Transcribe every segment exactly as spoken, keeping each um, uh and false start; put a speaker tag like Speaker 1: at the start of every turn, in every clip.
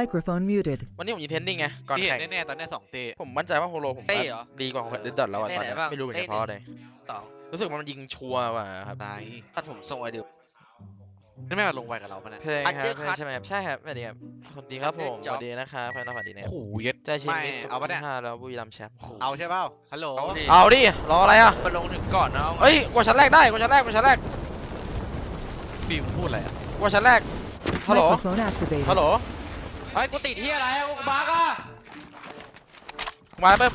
Speaker 1: Microphone muted.
Speaker 2: วันนี้ผมยิงเทนนิ่งไงก่อน
Speaker 3: ที่เห็
Speaker 2: แข่ง
Speaker 3: นแน่ๆตอนนี้สองเตะ
Speaker 2: ผมมั่นใจว่าโฮโลผม
Speaker 4: เต้เหรอ
Speaker 2: ดีกว่าของเดดดอทแล้วอะ
Speaker 4: เต้
Speaker 2: ตอน
Speaker 4: ไหน
Speaker 2: เนี้ย
Speaker 4: บ้าง
Speaker 2: ไม่รู้เป็น
Speaker 4: เต้
Speaker 2: เฉพาะ
Speaker 4: ไหน
Speaker 2: เลย
Speaker 4: สอง
Speaker 2: รู้สึกมันยิงชัวร์ว่ะครับ
Speaker 3: ตาย
Speaker 4: ตัดผมทรงไอเดียว
Speaker 3: นี่ไม่มาลงไวกับเราปะเนี่ย
Speaker 2: เพลงครับ
Speaker 4: Undercut
Speaker 2: ใช่ไหมครับใช่ครับสวัสดีครับสวัสดีครับผม
Speaker 4: Under
Speaker 2: ส
Speaker 4: Job
Speaker 2: วัสดีนะครับพนักงานสวัสดีนะ
Speaker 3: โอ้โหเย็ด
Speaker 2: ใจชิม
Speaker 3: ไม่
Speaker 2: มิตร
Speaker 3: เอาปะเนี่ย
Speaker 2: ที่ห้าแล้วบุรีรัมย์แชมป์โอ้โห
Speaker 3: เอาใช่เปล่าฮัลโหล
Speaker 4: เอาดิ
Speaker 2: เอาดิรออะไรอ่ะ
Speaker 4: มันลงถึงก่อนนะ
Speaker 2: เอ้ยกว่าชั้นแรกได้กว่าชั้นแรกกว่าชั้นแรก
Speaker 3: บีมพูดอะไรอ่ะ
Speaker 2: กว่าชั้นแรกฮัลโหล
Speaker 1: Microphone
Speaker 2: ฮัล
Speaker 1: activated.
Speaker 2: โหล
Speaker 3: เฮ้ยกูติดที่อะไรกูบักอ่ะ
Speaker 2: มาเพิ่ม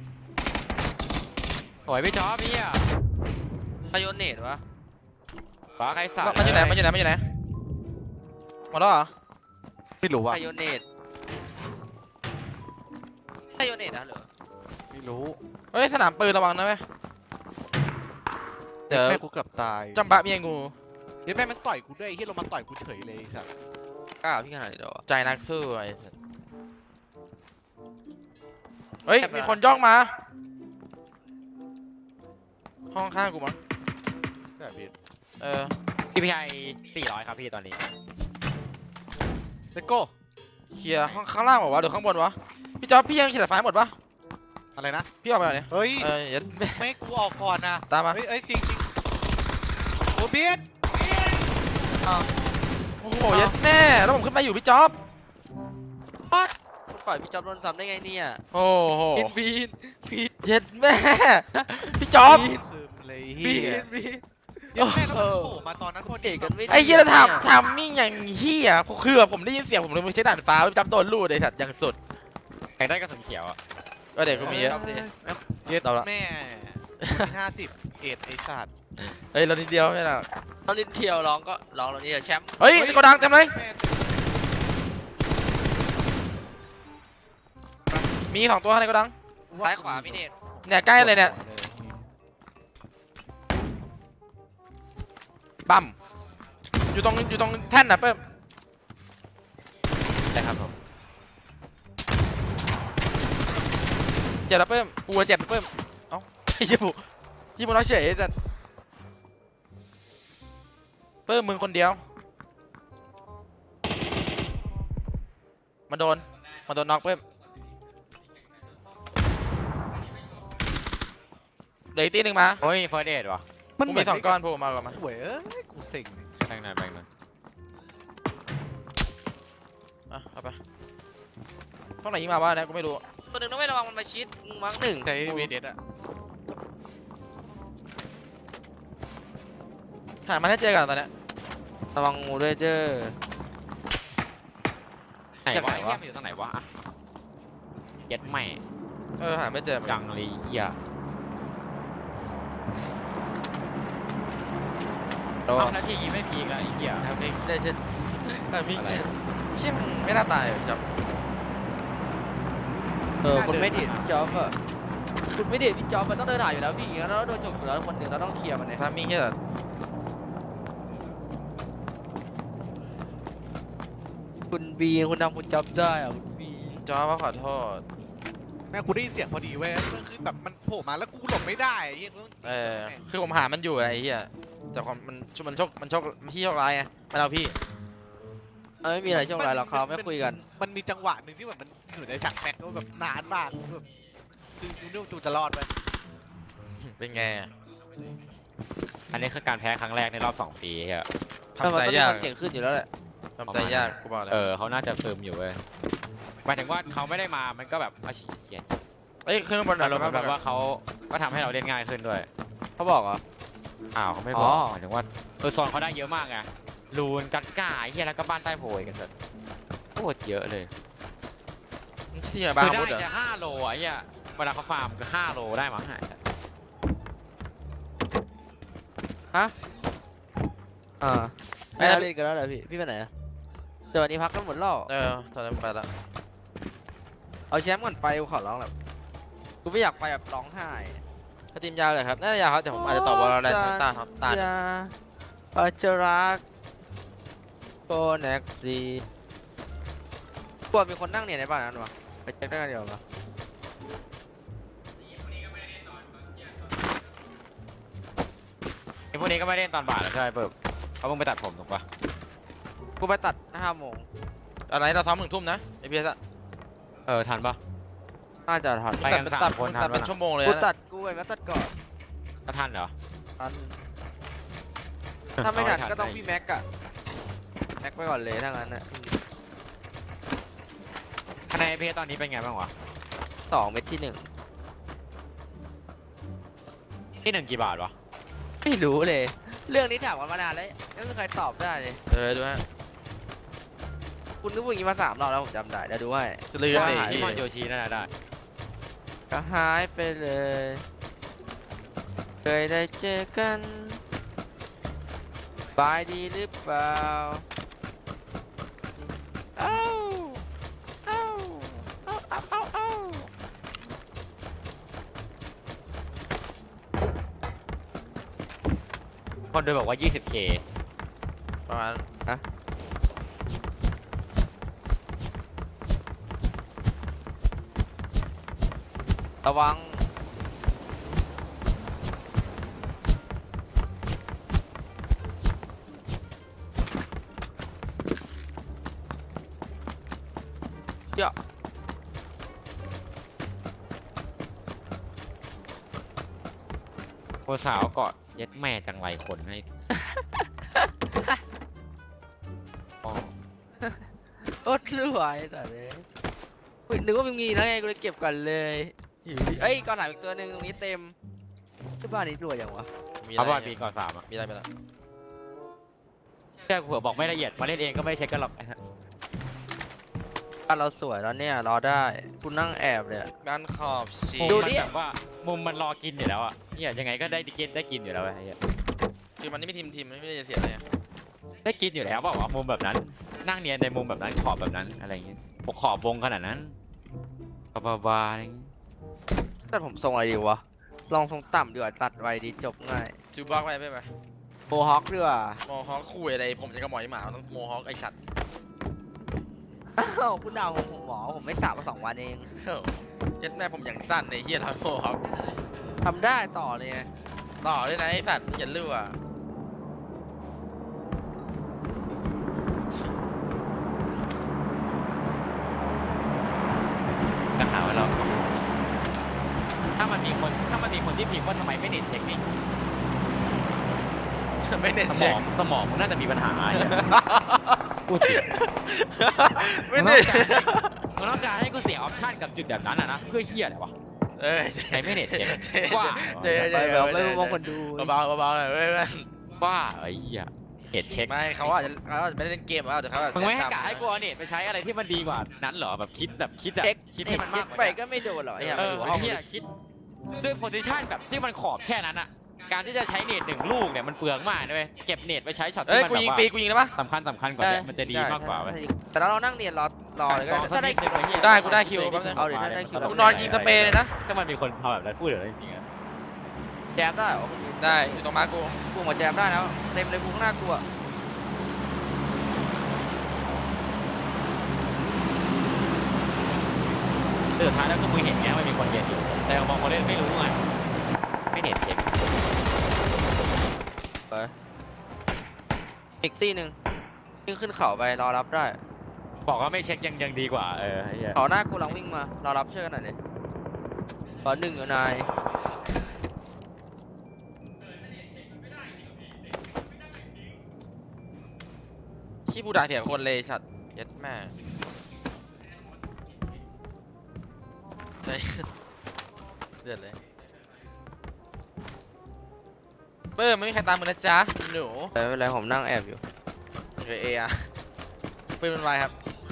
Speaker 3: โอ้ยพี่จ๊อบพี่อ่ะ
Speaker 4: พายเนตวะ
Speaker 3: บักใครสั่ง
Speaker 2: มันอยู่ไหนมันอยู่ไหนมันอยู่ไหนหมดแล้วเหรอ
Speaker 3: ไม่รู้ว่ะ
Speaker 4: พายเนตพายเนตนะเหรอ
Speaker 3: ไม่รู้
Speaker 2: เฮ้ยสนามปืนระวังนะเว้ยเดี๋ยว
Speaker 3: แม่กูเกือบตาย
Speaker 2: จำบะเมียงู
Speaker 3: เดี๋ยวแม่มันต่อยกูด้วยไอ้เฮียลงมาต่อยกูเฉยเลยสัส
Speaker 4: กล้าพี่ขนาดนี้เหรอ
Speaker 2: ใจนักสู้ไอ้สัสเฮ้ยมีคนย่องมาห้องข้างกูมั้ง
Speaker 3: แบบนี้
Speaker 2: เออ
Speaker 5: พีพีไอสี่ร้อยครับพี่ตอนนี้
Speaker 3: เลโก้
Speaker 2: เคลียร์ห้องข้างล่างบอกว่าวะหรือข้างบนวะพี่จ๊อบพี่ยังเขียนไฟหมดปะ
Speaker 3: อะไรนะ
Speaker 2: พี่ออกไปก่อนเนี่ย
Speaker 3: เฮ้ย
Speaker 2: เอออย่า
Speaker 3: ไม่ให้กูออกก่อนนะ
Speaker 2: ตามมา
Speaker 3: เฮ้ยเอ้ยจริงจริงโอ้เบียด
Speaker 2: โอ้โหยัดแม่แล้วผมขึ้นมาอยู่พี่จ๊อบ
Speaker 4: ปล่อยพี่จอบโดนซ้ำได้ไงเนี่ย
Speaker 2: โอ้โห
Speaker 4: บินบินบิน
Speaker 2: ยัดแม่พี่จ๊อบ
Speaker 3: ซึมเลย
Speaker 4: บิ
Speaker 3: เฮีย
Speaker 4: นบิน
Speaker 3: เดี๋ยวแม่แล้วมันโผล่มาตอนนั้นพอดี
Speaker 4: เอกกันไม่
Speaker 2: ไอ้เหี้ยทำทำมิ่งอย่างเหี้ยคือแบบผมได้ยินเสียงผมเลยไปใช้ด่านฟ้าพี่จ๊อบโดนลูดไอ้สัตว์อย่างสุด
Speaker 5: อยากได้กระสุนเขียวอ่ะ
Speaker 2: ก็เด็กก็มีเยอะ
Speaker 3: เย็ด
Speaker 2: เราละ
Speaker 3: แม่ห้าสิบเอ็ดไอ้สัตว์
Speaker 2: เฮ้ยเรานิดเดียวไม่หรอก
Speaker 4: ตอนลิ้นเที่ยวร้องก็ร้องเรานี่แชมป์
Speaker 2: เฮ้ยในโกดังเต็มเลย
Speaker 3: แม่
Speaker 2: มีสองตัวในโกดัง
Speaker 4: ซ้ายขวาพี่เนต
Speaker 2: เนี่ยใกล้เลยเนี่ยบัมอยู่ตรงอยู่ตรงแท่นน่ะเพิ่ม
Speaker 5: ได้ครับผม
Speaker 2: เจ็บแล้วเพิ่มกูเจ็บเพิ่มเอ้าไอ้ยี่ปุยี่ปุน้อยเฉยแต่เพิ่มมึงคนเดียวมาโดนมาโดนน็อกเพิ่มเดี๋ยวอีกตีหนึ่งมา
Speaker 5: โอ้ยเฟิร์สเดดวะ
Speaker 2: มันมีสองก้อนโผล่มาก่อนมา
Speaker 3: หวยเอ้ยกูเซ็ง
Speaker 5: แบ่งหน่อยแบ่งหน่อย
Speaker 2: อ่ะเอาไปต้องไหนยิงมาวะเนี่ยกูไม่รู้
Speaker 4: ตัวหนึ่งต้องไม่ระวังมันมาชิดมังหนึ่ง
Speaker 3: ใช้วีเด็ดอะ
Speaker 2: หามันให้เจอกันตอนเนี้ย
Speaker 4: ระวังงูด้วยเจ้อ
Speaker 5: ไหน
Speaker 4: จากไหน
Speaker 5: วะ
Speaker 4: วะ
Speaker 5: ไอ้เหี้ยมันอยู่ตรงไหนวะอ่ะเย็ดแม่
Speaker 2: เออหาไม่เจอเหมือน
Speaker 5: จั
Speaker 2: กัน
Speaker 5: งเลยเหี้ย
Speaker 4: ระวั
Speaker 5: เอา
Speaker 4: ง
Speaker 5: แล้วที่ยิงไม่พีกอะไอ้เหี้ย
Speaker 4: ทำเองได้เช่น
Speaker 2: แต่มีเจอเชี่ยมึงไม่น่าตายจับ
Speaker 4: เออคุณไม่เด็ดพี่จ๊อบอะคุณไม่เด็ดพี่จ๊อบมันต้องเดินหาอยู่แล้วพี่งั้นเราโดนจกอยู่แล้วคนหนึ่งเราต้องเคลียร์มันเนี่ย
Speaker 2: ทามิ่งแค่แบบ
Speaker 4: คุณบีคุณทำคุณจ๊อบได้อะคุณบี
Speaker 2: จอว่าขอโทษ
Speaker 3: แม่กูได้ยินเสียงพอดีเว้ยมันคือแบบมันโผล่มาแล้วกูหลบไม่ได้ไอ้เหี้ยกูต้อง
Speaker 2: เออคือผมหามันอยู่ไอ้เหี้ยแต่ความมันมันโชคมันโชคมันที่โชคร้ายไงมันเอาพี่
Speaker 4: เออไม่มีอะไรช่วงไรหรอกเขาไม่คุยกัน
Speaker 3: มันมีจังหวะหนึ่งที่แบบมันอยู่ในฉากแม็กก็แบบนานมากแบบคือกูนึกว่ากูจะรอดไป
Speaker 2: เป็นไงอะ
Speaker 5: อันนี้คือการแพ้ครั้งแรกในรอบสองปีเหี้ย
Speaker 2: ทำใจยาก
Speaker 4: มันเก่งขึ้นอยู่แล้วแหละ
Speaker 2: ทำใจยากกูบอกเลย
Speaker 5: เออเขาน่าจะซึมอยู่เว้ยหมายถึงว่าเขาไม่ได้มามันก็แบบอาชีเขียน
Speaker 2: เอ้ยขึ้นบนหน่
Speaker 5: อา
Speaker 2: อย
Speaker 5: รมณ์แบบว่าเขาก็ทำให้เราเล่นง่ายขึ้นด้วย
Speaker 4: เขาบอกเหรอ
Speaker 5: อ้าวเขาไม่บอก
Speaker 4: อ๋อ
Speaker 5: หมายถึงว่าเออโซนเขาได้เยอะมากไงลูนกัดก้าไอ้เหี้ยแล้วก็บ้านใต้โพยกันเสร็จโคตรเยอะเลย
Speaker 2: ที่ไหนบ้าง
Speaker 5: คือ
Speaker 2: พู
Speaker 5: ได้
Speaker 2: ดเหรอ
Speaker 5: จะห้าโลอ่ะไอ้เหี้ยเวลาเขาฟาร์มคือห้าโลได้มั้งหาย
Speaker 4: อ่าไม่ได้เล่นกันแล้วเหรอพี่พี่ไปไหนอะเดี๋ยววันนี้พักกันหมดแล้ว
Speaker 2: เออตอนนั้นไปละ
Speaker 4: เอาแชมป์ก่อนไปกูขอร้องแบบกูไม่อยากไปแบบร้องไห้
Speaker 2: ถ้าทีมยาวเลยครับน่าจะยาวครับแต่ผมอาจจะตอบว่าเราได้ทั้งตาครับตา
Speaker 4: อย่าอาจจะรักโกเน็กซีกลัวมีคนนั่งเนี่ยในบ้านนั้นวะไปเช็คได้กันเดียวปะ
Speaker 5: ไอ้พวกนี้ก็ไม่เล่นตอนบ่ายแล้วใช่ไหมเปิบเขาเพิ่งไปตัดผมถูกปะ
Speaker 4: กูไปตัดห้าโมง
Speaker 2: อะไรเราซ้อมหนึ่งทุ่มนะไอพีเอสอะ
Speaker 5: เออทันปะ
Speaker 4: น่าจะทัน
Speaker 5: ไปกัน
Speaker 2: ตัด
Speaker 5: สาม
Speaker 2: ตัด
Speaker 5: คน
Speaker 2: ตัด
Speaker 5: ทัน
Speaker 2: เป็น
Speaker 5: ปะ
Speaker 2: ชั่วโมงเลย
Speaker 4: กู
Speaker 2: นะ
Speaker 4: ตัดกูไปมาตัดก่อน
Speaker 5: ก็ทันเหรอ
Speaker 4: ทันถ้าไม่ทัน
Speaker 5: เาให้
Speaker 4: ก็ต้อง
Speaker 5: ได้
Speaker 4: พี่แม็กอะแม็กไปก่อนเลยถ้างั้นอะ
Speaker 5: คะแนนเพจตอนนี้เป็นไงบ้างวะ
Speaker 4: สองเม็ดที่หนึ่ง
Speaker 5: ที่หนึ่งกี่บาทวะ
Speaker 4: ไม่รู้เลย เรื่องนี้ถามกันมานานแล้วไม่มีใครตอบได้เลย
Speaker 2: เออดูฮะ
Speaker 4: คุณก็พูดอย่างนี้มาสามรอบแล้วผมจำได้เดี๋ยวดูให้
Speaker 2: จะลืม
Speaker 5: ว่า
Speaker 2: ไอ้
Speaker 5: หาย
Speaker 2: เหี้
Speaker 5: มอนโย
Speaker 2: ย
Speaker 5: ชิน่าจะได้
Speaker 4: ก็หายไปเลย เคยได้เจอกันบายดีหรือเปล่าเอ้าเอ้าเอ้าเอ้าเอ้าเอ้า
Speaker 5: คนดูบอกว่า ยี่สิบเค
Speaker 2: ประมาณ
Speaker 4: ระวังเยอะ
Speaker 5: โคสาวเกาะเย็ดแม่จังไรคนให้อ๋อ
Speaker 4: โอ๊ตรวยแต่เลยอุ๊ยนึกว่ามึงมีแล้วไงกูเลยเก็บก่อนเลยอยู่ดีเอ้ยก่อนหลังอีกตัวหนึ่งตรงนี้เต็มที่บ้านนี้รวยอย่างวะ
Speaker 2: มี
Speaker 5: เอา
Speaker 2: อะไร
Speaker 5: บอลบีก่อนสามอ่ะ
Speaker 2: มีอะไรไปแล้ว
Speaker 5: แค่เผื่อบอกไม่ละเอียดมาเล่นเองก็ไม่ได้เช็คกันหรอกไอ้ฮะ
Speaker 4: บ้านเราสวยแล้วเนี่ยรอได้กูนั่งแอบเลยอะ
Speaker 2: งานขอบสี
Speaker 5: มุม
Speaker 4: ดู
Speaker 5: มัน
Speaker 4: ดิ
Speaker 5: แบบว่ามุมมันรอกินอยู่แล้วอ่ะเนี่ยยังไงก็ได้กินได้กินอยู่แล้วไอ้เหี้ย
Speaker 2: คือมันไม่ทีมทีมไม่ได้จะเสียอะไรอะ
Speaker 5: ได้กินอยู่แล้วเปล่าวะมุมแบบนั้น นั่งเนียนในมุมแบบนั้นขอบแบบนั้นอะไรอย่างเงี้ยปกขอบวงขนาดนั้นบาบาอะไรอย่างเงี้ย
Speaker 4: แต่ผมทรงอะไรดีวะลองทรงต่ำดีกว่าตัดไวดีจบง่าย
Speaker 2: จูบล็อกไปไปไป
Speaker 4: โบฮอคดีกว่า
Speaker 2: โมฮอคคุยอะไรผมจะกระหมอยหมาต้องโมฮอคไอสัตว์
Speaker 4: อ้าวคุณดาวผมผมหมอผมไม่สระมาสองวันเอง
Speaker 2: เฮ้ยยัดแม่ผมอย่างสั้นในเฮียทำโมฮอค
Speaker 4: ทำได้ต่อเลยไง
Speaker 2: ต่อเลยนะไอสัตว์อย่าลื่อ
Speaker 5: จะหาว่าเรา ถ้ามันมีคนถ้ามันมีคนที่พิมพ์ว่าทำไมไม่เน็ตเช็คนี่
Speaker 2: ไม่เน้น
Speaker 5: สม
Speaker 2: เช็
Speaker 5: อ
Speaker 2: ค
Speaker 5: งสมองมึงน่าจะมีปัญหาไอ้เหี้ยพูดจริง
Speaker 2: ไม่เน้น
Speaker 5: มึงต้องการให้กูเสียออปชั่นกับจุดแบบนั้นอ่ะนะเพื่อเฮียอะไรวะ
Speaker 2: เอ้ย
Speaker 5: ไหนไม่เน็ตเช็ค
Speaker 2: เจ๊
Speaker 5: ว่า
Speaker 2: เจ๊
Speaker 4: ไป
Speaker 2: เจ๊
Speaker 4: แบบไม่มองคนดู
Speaker 2: เบาๆเบาๆหน่อยเว้ยเว้ย
Speaker 5: ว่าไอ้เหี้ยเน็ตเช็ค
Speaker 2: ไม่เขาอาจจะเขาอาจจะไม่ได้เล่นเกมเอาแต่เขาอาจจะ
Speaker 5: มึงไม่ให้
Speaker 2: จำ
Speaker 5: กะให้กูเอาเน็ตไปใช้อะไรที่มันดีกว่านั้นเหรอแบบคิดแบบคิดแบบ
Speaker 4: เช็ค
Speaker 5: คิด
Speaker 4: เน็
Speaker 5: ให้
Speaker 4: ต
Speaker 5: มัน
Speaker 4: เช็
Speaker 5: มา
Speaker 4: ค
Speaker 5: กกว่า
Speaker 4: ไป
Speaker 5: นี้
Speaker 4: ก็ไม่โดนหรอกไอ้เหี้ย
Speaker 5: เอ
Speaker 4: มัน
Speaker 5: อ
Speaker 4: อยู่
Speaker 5: ไอ้
Speaker 4: ห้อง
Speaker 5: เหี้ยคิดด้วยโพซิชันแบบที่มันขอบแค่นั้นอ่ะการที่จะใช้เน็ตหนึ่งลูกเนี่ยมันเปลืองมากนะเว้ยเก็บเน็ตไปใช้ช็อต
Speaker 2: เอ้
Speaker 5: ที่
Speaker 2: ย
Speaker 5: มัน
Speaker 2: กู
Speaker 5: แบบ
Speaker 2: ยิง
Speaker 5: ว่า
Speaker 2: ฟรีกูยิงได้ปะ
Speaker 5: สำคัญสำคัญกว่านี้มันจะดีมากกว่าเว้ย
Speaker 4: แต่เรานั่งเรียนรอรอเลยก็ได้ถ้าได้คิว
Speaker 5: กู
Speaker 2: ได้กูได้คิวแป๊บนึง
Speaker 4: เอาดิถ้าได้คิว
Speaker 2: กูนอนยิงสเปรย์เลยนะ
Speaker 5: ถ้ามันมีคนทำแบบนั้นพูดเดี๋ยวจริงๆอะ
Speaker 4: แจมได้เหรอ
Speaker 2: ได้อยู่ตรงมากู
Speaker 4: กูมาแจมได้แล้วเต็มเลยกูข้างหน้ากูอะ
Speaker 5: สุดท้ายแล้วก็มึงเห็นไงว่ามีคนเรียนอยู่แต่บางคนเล่นไม่รู้ไงไม่เน็ตเช็ค
Speaker 4: ไปอีกตีหนึ่งวิ่งขึ้นเขาไปรอรับได้
Speaker 5: บอกว่าไม่เช็คยังยังดีกว่าเออไอ้เหี้ย
Speaker 4: เขาหน้ากูลังวิ่งมารอรับช่วยกันหน่อยดิขอหนึ่งอยู่นาย
Speaker 2: ขี้ผู้ด่าเถียงคนเลยสัตว์เย็ดแม่เฮ้ยเดือดเลยเปิ้มไม่มีใครตามมึงนะจ๊ะหนู
Speaker 4: แต่ไม่เป็นไรผมนั่งแอบอยู่
Speaker 2: โอเคเออะปืนมันไวครับ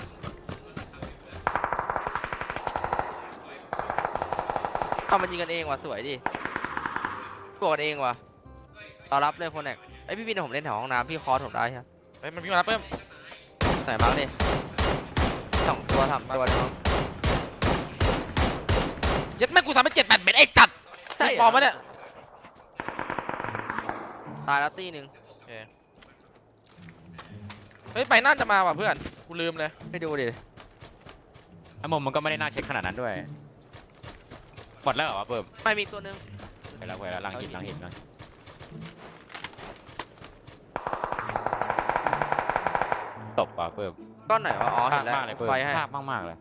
Speaker 4: เอามันยิงกันเองว่ะสวยดิกดเองว่ะรอรับเลยคนแอกไอยพี่บินผมเล่นแถวห้องน้ำพี่คอร์สผมได้ใช่ไหม
Speaker 2: เฮ้ยมันวิ่งมาแล้วเปิ้ม
Speaker 4: ไหนมาร์กดิสองตัวสามตัวเลยมั้ง
Speaker 2: เย็ดแม่กูสามไปเจ็ดแปดเม็ดไอ้จัด
Speaker 4: ใช่เหรอ
Speaker 2: ปลอมปะเนี่ย
Speaker 4: ตายแล้วตีหนึ่ง
Speaker 2: เฮ้ยไปน่าจะมาว่ะเพื่อนกูลืมเลย
Speaker 4: ไปดูดิ
Speaker 5: ไอ้มุมมันก็ไม่ได้น่าเช็คขนาดนั้นด้วยหมดแล้วเหรอวะเปิ่ม
Speaker 4: ไม่มีอีกตัวหนึง
Speaker 5: ไปแล้วไปแล้วลังหินลังหินนะตบว่ะเพิ่ม
Speaker 4: ก้อนไหนวะอ๋อ
Speaker 5: ภา
Speaker 4: เห็
Speaker 5: พ
Speaker 4: นแล้ว
Speaker 5: มากเลยเพิ่ม
Speaker 4: ไฟให้
Speaker 5: ภาพมากๆเลย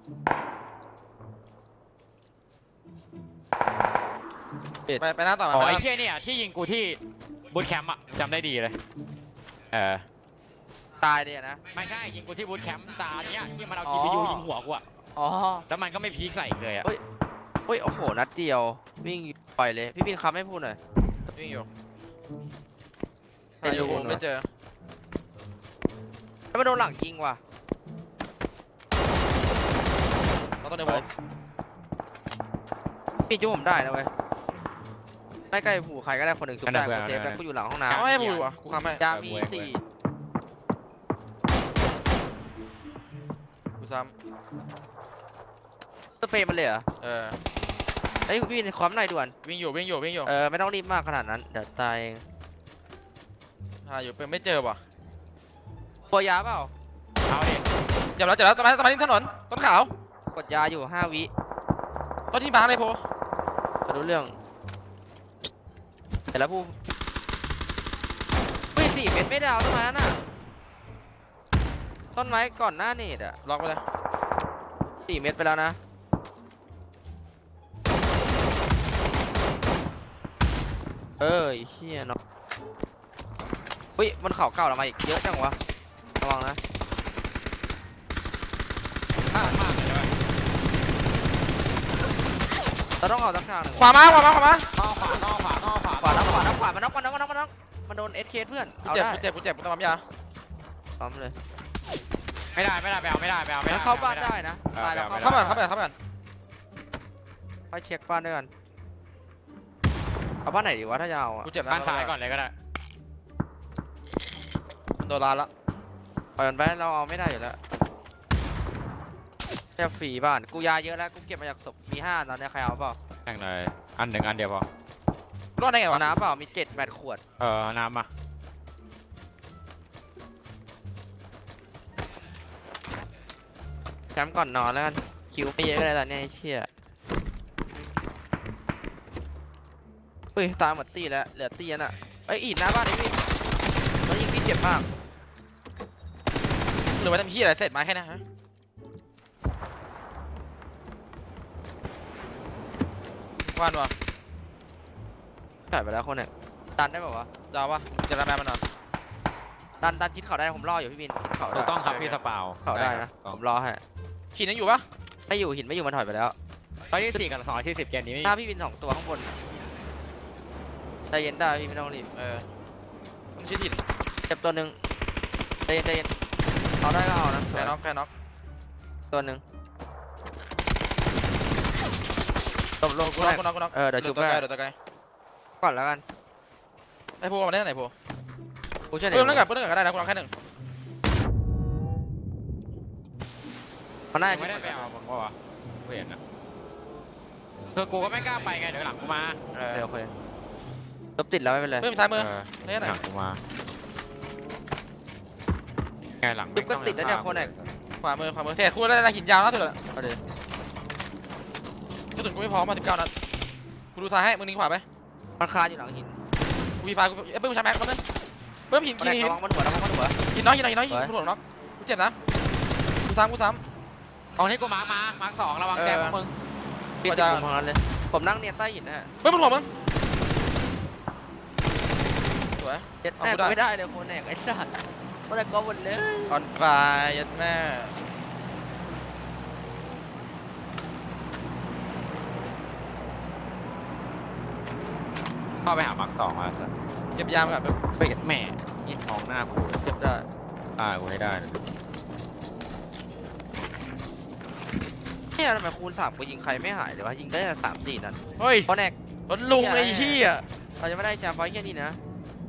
Speaker 2: ไปไปหน้าต่อมา
Speaker 5: อ๋อ
Speaker 2: ไปห
Speaker 5: ไอ้
Speaker 2: น้า
Speaker 5: เหี้ยเนี่ยที่ยิงกูที่บูทแคมป์อะจำได้ดีเลยเออ
Speaker 4: ตายเลยนะ
Speaker 5: ไม่ใช่ยิงกูที่บูทแคมป์ตาเนี้ยที่มันเอา
Speaker 4: อ๋
Speaker 5: จี
Speaker 4: อ
Speaker 5: พียูยิงหัวกูอะ
Speaker 4: อ๋อ
Speaker 5: แล้วมันก็ไม่พีคใส่อีกเลยอะ
Speaker 4: เฮ้ย เฮ้ยโอ้โหนัดเดียววิ่งปล่อยเลยพี่บินค้ำให้พูดหน่อย
Speaker 2: วิ่งอยู่
Speaker 4: ไอ้
Speaker 2: หาอยู่
Speaker 4: ลูก
Speaker 2: ไม่เจอ
Speaker 4: แล้วมาโดนหลังยิงว่ะ
Speaker 2: ต้องตัวเดียวผม
Speaker 4: พี่จุ๊บผมได้นะเว้ยไม่ใกล้ผูใครก็ได้คนหนึ่งจุ๊บได้กูเซฟแล้วกูอยู่หลังห้องน้
Speaker 2: เอาให้พูดวะกูค้ำให้
Speaker 4: ำยามีสี่
Speaker 2: กูซ้
Speaker 4: สเปรย์มันเลยเหรอ
Speaker 2: ำเออ
Speaker 4: เอ้ยพี่บินค้ำหน่อยด่วน
Speaker 2: วิ่งอยู่วิ่งอยู่วิ่งอยู่
Speaker 4: เออไม่ต้องรีบมากขนาดนั้นเดี๋ยวตายเอง
Speaker 2: หาอยู่เป็นไม่เจอว่ะ
Speaker 4: ตัวยาเปล่า
Speaker 5: เอาดิ
Speaker 2: เจ็บแล้วเจ็บแล้วต้นไม้ต้นไม้ที่ถนนต้นขาว
Speaker 4: กดยาอยู่ห้าวิ
Speaker 2: ต้นที่มาเลยโพ
Speaker 4: จะรู้เรื่องเสร็จแล้วผู้เฮ้ยสี่เม็ดไม่ดาวต้นไม้นั่นน่ะต้นไม้ก่อนหน้าเนตอะ
Speaker 2: ล็อกไปเลย
Speaker 4: สี่เม็ดไปแล้วนะเอ้ยเฮียเนาะเฮ้ยมันเข่าเก่าเรามาอีกเยอะจังวะระวังนะ
Speaker 5: พลาดมากเลยนะ
Speaker 4: เราต้องเอาสักทางหนึ่ง
Speaker 2: ขวามาขวามาขวามา
Speaker 5: เข้าขวาเข้าขวาเข้าขวา
Speaker 4: ขวาน้ำขวาน้ำขวามันน็อกมันน็อกมันน็อกมันน็อกมันโดนเอสเคเพื่อน
Speaker 2: กู
Speaker 4: เอา
Speaker 2: เจ็บ
Speaker 4: ได้
Speaker 2: กูเจ็บกูเจ็บกูต้องปั๊มยา
Speaker 4: พร้อมเลย
Speaker 5: ไม่ได้ไม่ได้ไปเอาไม่ได้ไปเอาไม่ได้
Speaker 4: แล้วเข้าบ้านได้นะตายแล้ว
Speaker 5: ไม่ได้
Speaker 2: เข้ามาเข้ามาเข้ามา
Speaker 4: ไปเช็คบ้านด้วยกันเอาบ้านไหนดีวะถ้าจะเอาอะ
Speaker 2: กูเจ็บนะ
Speaker 5: บ้านซ้ายก่อนเลยก็ได้
Speaker 2: โดนลานละ
Speaker 4: ปล่อยมันไปเราเอาไม่ได้อยู่แล้วแค่ฟรีบ้านกูยาเยอะแล้วกูเก็บมาจากศพมีห้าตอนนี้ใครเอาเปล่า
Speaker 5: แข่งเลยอันหนึ่งอันเดียวพอ
Speaker 2: รอดได้ไง
Speaker 4: เอา
Speaker 2: วะ
Speaker 4: น้ำเปล่ามีเจ็ดแปดขวด
Speaker 5: เออน้ำมา
Speaker 4: แคมป์ก่อนนอนแล้วกันคิวไม่เยอะก็ได้ตอนนี้ไอ้เชี่ยเฮ้ยตามหมดตีแล้วเหลือตีน่ะเอ้ยอีดหน้าบ้านไอ้พี่แล้วยิงพี่เจ็บมาก
Speaker 2: หรือว่าทำพี่อะไรเสร็จมาแค่นั้นฮะว่านวะ
Speaker 4: หายไปแล้วคนเนี่ยดันได้ป่าวะ
Speaker 2: ดาวปะจะระแมมันเหรอ
Speaker 4: ดันดันชิดเขาได้ผมรออยู่พี่บินชิดเขา
Speaker 5: ถู
Speaker 4: ได้
Speaker 5: กต้องครับพี่สปาว
Speaker 4: เขาได้นะ
Speaker 5: ถูกต้อง
Speaker 4: ผมรอให้
Speaker 2: ขีดยังอยู่ปะ
Speaker 4: ไม่อยู่หินไม่อยู่มันถอยไปแล้ว
Speaker 5: ตอนที่สี่กับสองที่สิบเกมนี้ไม่
Speaker 4: หน้าพี่บินสองตัวข้างบนใจเย็นได้พี่ไม่ต้องรีบ
Speaker 2: เออต้องชี้ถิ่น
Speaker 4: เจ็บตัวหนึ่งใจเย็นใจเย็นเอาได้ก็เอานะ
Speaker 2: แกน็อกแกน็อก
Speaker 4: ตัวหนึ่งตบลง
Speaker 2: กู
Speaker 4: กู
Speaker 2: น็
Speaker 4: ได้
Speaker 2: อกกูน็อกกูน็อก
Speaker 4: เออเดี๋ยวชุบ
Speaker 2: ตัว
Speaker 4: ให้
Speaker 2: ไกลเดี๋ยวตัวไกล
Speaker 4: ก่อนแล้วกัน
Speaker 2: ไอ้โพมาได้ไหนโพ
Speaker 4: กูเชื่อไหน
Speaker 2: เพิ่มนั่งกับเพิ่มนั่งกับก็ได้นะกูน็อกแค่หนึ่ง
Speaker 4: มันน่าจะ
Speaker 5: ไม่ได้ไปเอาผมว่าวะกูเห็นนะคือกูก็ไม่กล้าไปไงเดี๋ยวหลังกูมา
Speaker 2: เออ
Speaker 4: เดี๋ยวโอเคลบติดแล้วไม่เป็นไร
Speaker 2: เพิ่มซ้ายมือ
Speaker 5: เออ
Speaker 2: ได้ไหน
Speaker 5: หลังกูมาไงหลัง
Speaker 4: จุบก็ติดแล้วเนี่ยคนไหน
Speaker 2: ขวามือขวามือเทศคู่ได้นะหินยาวนะสุดเลย
Speaker 4: เอาดิ
Speaker 2: กระสุนกูไม่พร้อมมาสิบเก้านัดกูดูซ้ายให้มึงนิ่งขวาไป
Speaker 4: มันคาอยู่หลังหิน
Speaker 2: กูวีไฟกูเอ้ยเพิ่มใช้แม็กมันนึงเพิ่มหิน
Speaker 4: มัน
Speaker 2: หิน
Speaker 4: ได้
Speaker 2: หิน
Speaker 4: ระวังมันหัวระวังมันหัว
Speaker 2: หินน้อยหินน้อยหินน้อยหิน
Speaker 4: ไว้
Speaker 2: กูโดนน็อกกูเจ็บนะกูซ้ำกูซ้
Speaker 5: ของที่กูมาร์กมามาร์กสองระวังแกพวกมึง
Speaker 4: ปิด
Speaker 2: ก็
Speaker 4: ติ
Speaker 2: จะ
Speaker 4: ดของนั้นเลยผมนั่งเนียนใต้หินนะฮะ
Speaker 2: ำเพิ่มบนหัวมึงสวย
Speaker 4: เจ็ด
Speaker 2: เอา
Speaker 4: แน่
Speaker 2: กูได้
Speaker 4: ไม่ได้เลยคนแหนกไอ้สัตว์คนแหนกก็หมดเลย
Speaker 2: ออนไฟยัดแม่
Speaker 5: เข้าไปหามาร์กสองมาสัส
Speaker 2: เก็บยามกับ
Speaker 5: ไปเห็นแม่ยิงมองหน้ากู
Speaker 4: เจ็บได้
Speaker 5: ตายกูให้ได้นะ
Speaker 4: เนี่ยทำไมคูณสามกูยิงใครไม่หายเลยวะยิงได้แต่สามสี่นัด
Speaker 2: เฮ้ย
Speaker 4: คนแหนก
Speaker 2: รถลุงเลยไอ้เฮีย
Speaker 4: เราจะไม่ได้แชมป์ไฟท์แค่นี้นะ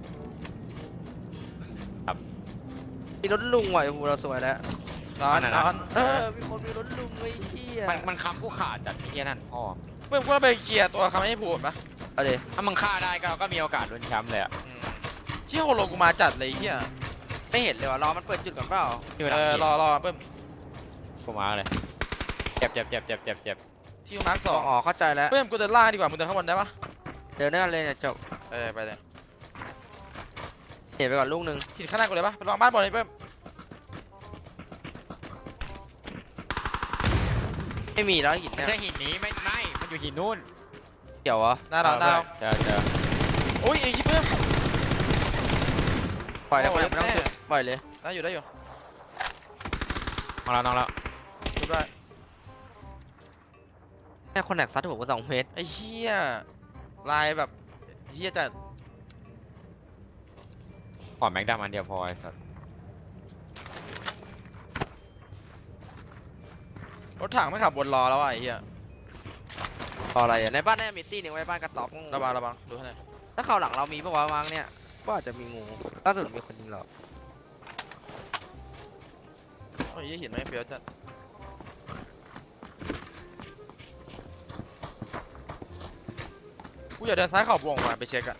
Speaker 4: มีรถลุงว่ะไอ้หูเราสวยแล้ว
Speaker 2: นอนนอน
Speaker 4: เออมีคนมีรถลุงไอ้เหี้ย
Speaker 5: มันมันค้ำกูขาดจัดไอ้เหี้ยนั่นพ่อ
Speaker 2: เพิ่มกูต้องไปเคลียร์ตัวเขาไม่ให้พูดปะ
Speaker 4: เอาดิ
Speaker 5: ถ้ามึงฆ่าได้ก็ก็มีโอกาสลุ้นแชมป์เลยอะ
Speaker 2: อืมเชี่ยโฮโลกูมาจัดเลยไอ้เฮีย
Speaker 4: ไม่เห็นเลยว่ะรอมันเปิดจุดก่อนเปล่า
Speaker 5: ที่มัน
Speaker 2: เออรอรอเพิ่ม
Speaker 5: กูมาเลยเจ็บเจ็บเจ็บเจ็บเจ็บเจ็บ
Speaker 2: ที่มาร์คสอง
Speaker 4: อ๋อเข้าใจแล้ว
Speaker 2: เพิ่มกูเดินล่างดีกว่ามึงเดินข้างบนได้ปะ
Speaker 4: เดินด้วยกันเลยเนี่ยจบ
Speaker 2: เออไปเลย
Speaker 4: เห็นไปก่อนลูกหนึ่ง
Speaker 2: หินข้างหน้ากูเลยปะไปลองบ้านบอลเลยเพิ่ม
Speaker 4: ไม่มีแล้วหิน
Speaker 5: ไม่
Speaker 4: เนี่ย
Speaker 5: ใช่หินนี้ไม่ไม่มันอยู่หินนู่น
Speaker 4: เกี่ยวเหรอ
Speaker 2: หน้าเราหน้าเรา
Speaker 5: เจอเจอ
Speaker 2: โอ้ยไอ้ชิบเพิ่ม
Speaker 4: ปล่อยแล้ว
Speaker 2: โอ้
Speaker 4: ปล่อย
Speaker 2: ย
Speaker 4: ไม่ต้อง
Speaker 2: แม่
Speaker 4: สุดปล่อยเลย
Speaker 2: ได้อยู่ได้อยู่
Speaker 5: น้องแล้วน้องแล้ว
Speaker 2: ชุบได้
Speaker 4: แค่คนแหกซัดผมก็สองเมตร
Speaker 2: ไอ้เหี้ยลายแบบเหี้ยจัด
Speaker 5: ขอแม็กดามันเดียวพอไอ้สัส
Speaker 2: รถถังไม่ขับบนรอแล้วอ่ะไอ้เหี้ย
Speaker 4: ต่ออะไรอ่ะในบ้านน่าจะมีตี้หนึงไว้บ้านกระต๊อบ
Speaker 2: ระวังระวังดูให้หน่อย
Speaker 4: ถ้าเขาหลังเรามีปะวะวางเนี่ยก็อาจจะมีงูล่าสุดมีคนยิงเรา
Speaker 2: โอ้ยเหี้ยหินไม่เฟี้ยวจัดกูอยากเดินซ้ายเข่าวงมาไปเช็คอะ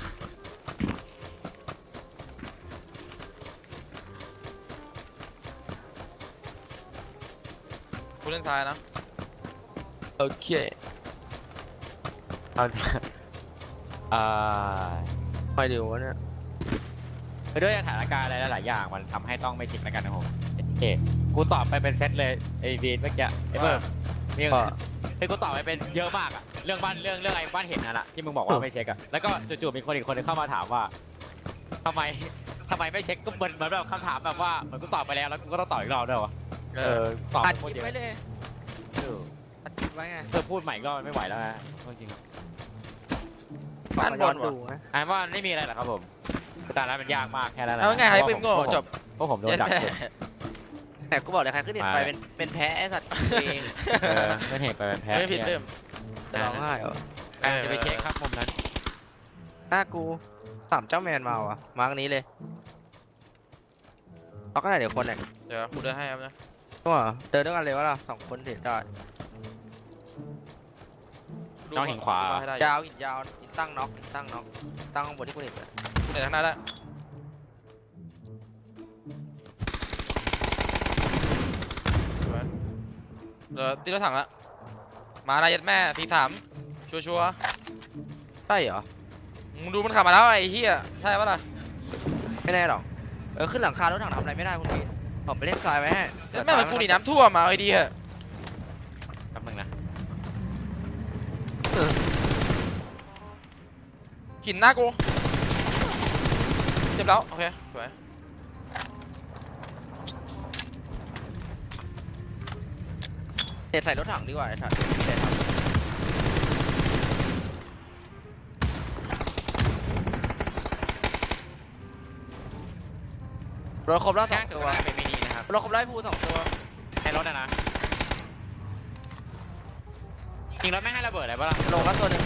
Speaker 2: กูเล่นซ้ายนะ
Speaker 4: โอเค
Speaker 5: เอาอ่า
Speaker 4: ไปเดี๋ยววะเนี่ย
Speaker 5: ไปด้วยสถานการณ์อะไรหลายๆอย่างมันทำให้ต้องไม่ชิดแล้วกันนะผมโอเคกูตอบไปเป็นเซตเลยไอ้บีนเมื่อกี้ไอ้เบิร์ดนี่
Speaker 4: ก็
Speaker 5: คือกูตอบไปเป็นเยอะมากอะเรื่องบ้านเรื่องเรื่องไอ้บ้านเห็นนั่นแหละที่มึงบอกว่าไม่เช็คอะแล้วก็จู่ๆมีคนอีกคนนึงเข้ามาถามว่าทำไมทำไมไม่เช็คก็เหมือนเหมือนแบบคำถามแบบว่าเหมือนกูตอบไปแล้วแล้วกูก็ต้องตอบอีกรอบด้วยวะ
Speaker 2: เอ
Speaker 5: เอ
Speaker 2: อ
Speaker 5: อตอบ
Speaker 4: อัด
Speaker 5: ไป
Speaker 4: ค
Speaker 5: คน
Speaker 4: ลิป
Speaker 5: เดียว
Speaker 4: ไว้เลย
Speaker 5: เออ
Speaker 4: อัดคลิปไว้ไง
Speaker 5: เธอพูดใหม่ก็ไม่ไหวแล้วนะจริงๆ
Speaker 2: บ้านบน
Speaker 4: ดู
Speaker 2: วะ
Speaker 4: นะ
Speaker 5: อ่านว่าไม่มีอะไรหรอกครับผมคือตอนนั้นมันยากมากแค่นั้นแหละ
Speaker 2: เอาไงให้ปิมโง่จบ
Speaker 5: เพราะผมโดน
Speaker 2: เย็ด
Speaker 5: ดัก
Speaker 2: แม่
Speaker 5: เก็บ
Speaker 4: แต่กูบอกเลยใครขึ้นเน็ตไป
Speaker 5: ไป
Speaker 4: เป็นเป็นแพ้ไอ้สัตว์เอง
Speaker 5: เออไม่เห็นไปเป็นแพ้
Speaker 2: ไม่ผิดเพิ่ม
Speaker 4: จะร้องไห้เหรอ
Speaker 5: อ่ะจะไปเช็คครับมุมนั้น
Speaker 4: หน้ากูสามเจ้าแมนมาว่ะมาร์กนี้เลยเอาก็ไหนเดี๋ยวคนไหน
Speaker 2: เดี๋ยวกูเดินให้ครับนะ
Speaker 4: ก็เดินด้วยกันเลยวะล่ะสองคนเด็ดได้
Speaker 5: น้องหินขวา
Speaker 2: ดูให้ได้
Speaker 4: ยาวหินยาวหินตั้งน็อกหินตั้งน็อกตั้งข้างบนที่กูเห็นเลย
Speaker 2: กูเดินทางหน้าได้สวยเดี๋ยวตีรถถังละมาได้ยัดแม่ทีสามชัวร์ชัวร์
Speaker 4: ใช่เหรอ
Speaker 2: ๆมึงดูมันขับมาแล้วไอ้เหี้ยใช่ปะล่ะ
Speaker 4: ไม่แน่หรอกเออขึ้นหลังคารถถังทำอะไรไม่ได้คุณพี่ผมไปเล่นทรายไว้ให้
Speaker 2: ยัดแม่เหมือนกูหนีน้ำท่วมมาไอ้ดีเหอะ
Speaker 5: แป๊บนึงนะ
Speaker 2: หินหน้ากูเจ็บแล้วโอเคสวย
Speaker 4: เด็ดใส่รถถังดีกว่าไอ้สัตว์ไม่ได้ทำรถครบแล้วส
Speaker 5: แค่
Speaker 4: อง
Speaker 5: ตั
Speaker 4: ตัว ว
Speaker 5: เป็นมินินะครับ
Speaker 4: รถครบแล้วไอ้ภูสองตัว
Speaker 5: ให้รถอะนะจริงรถไม่ให้ระเบิดอะไรปะล่ะ
Speaker 4: ลงแล้วตัวหนึ่ง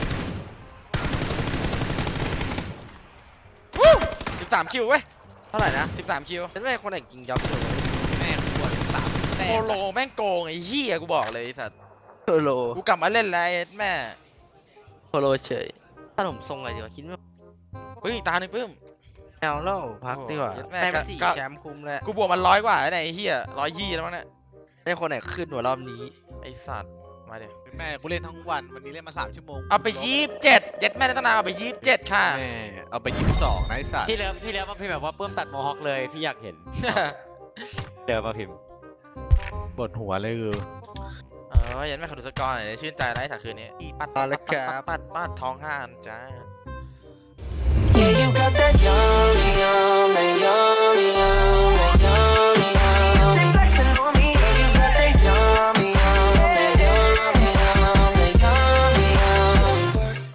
Speaker 2: สิบสามคิวเว้ย
Speaker 4: เท่าไหร่นะ
Speaker 2: สิบสามคิว
Speaker 4: เป็นแม่คนไหนกิงยับเลย
Speaker 3: แม่งปวดสามแต้
Speaker 2: โค
Speaker 3: ม
Speaker 2: โลแม่งโกงไอ้เหี้ยกูบอกเลยไอ้สัตว์
Speaker 4: โคโล
Speaker 2: กูกลับมาเล่นแล้วไอ้แม่
Speaker 4: โคโลเฉยถ้าผมทรงอะไรดีวะคิดว่า
Speaker 2: เฮ้ยอีกตาหนึ่งเพิ่ม
Speaker 4: แอลเล่าพักดีกว่า
Speaker 2: โอ้โหเย็ดแม่
Speaker 4: ได้มา
Speaker 2: ก็
Speaker 4: สี่
Speaker 2: ก็
Speaker 4: แชมป์คุ้มแล้ว
Speaker 2: กูบวกมันร้อยกว่าแล้วเนี่ยไอ้เหี้ยร้อยยี่แล้วมั้งเนี่ย
Speaker 4: ได้คนไหนขึ้นหัวรอบนี้
Speaker 2: ไอ้สัตว์มาเดี๋ยว
Speaker 3: แม่กูเล่นทั้งวันวันนี้เล่นมาสามชั่วโมง
Speaker 2: เอาไปยี่สิบเจ็ดเย็ดแม่ได้ตั้งนานเอาไปยี่สิบเจ็ดค่ะ
Speaker 3: แม่เอาไปยี่สิบสองนะไอ้สัตว์
Speaker 5: พี่เลิฟพี่เลิฟมาพิมพ์แบบว่าเพิ่มตัดโมฮอคเลยพี่อยากเห็นเลิฟมาพิมพ์
Speaker 3: ปวดหัวเลยคือ
Speaker 2: เออเย็ดแม่ขอดูสกอร์หน่อยชื่นใจได้จากคืนนี้ปัด
Speaker 4: มาแล้วครับ
Speaker 2: ปัดปัดปัดทองห้าอันจ้า
Speaker 1: Yeah, you got that young